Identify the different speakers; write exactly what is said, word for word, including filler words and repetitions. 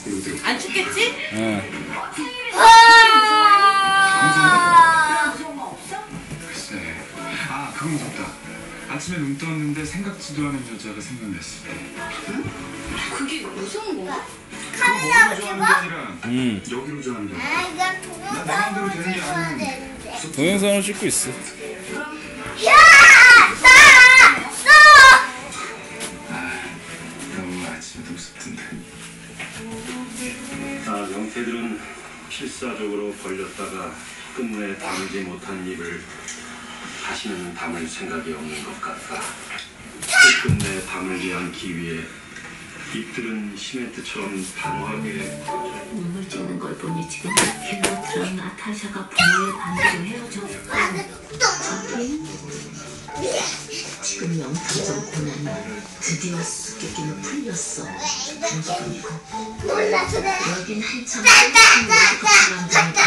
Speaker 1: 안 춥겠지?
Speaker 2: 응.
Speaker 3: 글쎄, 아 그건 무섭다. 아침에 눈 떴는데 생각지도 않은 여자가 생각났을 때.
Speaker 1: 응? 그게 무서운 건가?
Speaker 3: 그거 머리로 좋아하는 게 아니라
Speaker 2: 음.
Speaker 3: 여기로 좋아하는 게.
Speaker 4: 아, 이거
Speaker 3: 난 내 마음대로 되는 게
Speaker 4: 동영상을
Speaker 3: 아니야.
Speaker 4: 되는데.
Speaker 2: 동영상을 찍고 있어.
Speaker 4: 야! 나! 너!
Speaker 3: 아, 너무 아침에 무섭던데.
Speaker 5: 아, 명태들은 필사적으로 벌렸다가 끝내 담지 못한 입을 다시는 담을 생각이 없는 것 같다. 끝내 담을 위한 기위에 입들은 시멘트처럼 단호하게
Speaker 6: 눈물 찌는 걸 보니 지금 힐로트랑 나타샤가 부모의 반대로 헤어졌고 저긴 지금 명탐정 고난이 드디어 수수께끼는 풀렸어. 그리고
Speaker 4: 몰라, 그래.
Speaker 6: 여긴 한참 한참 월드컵 관장이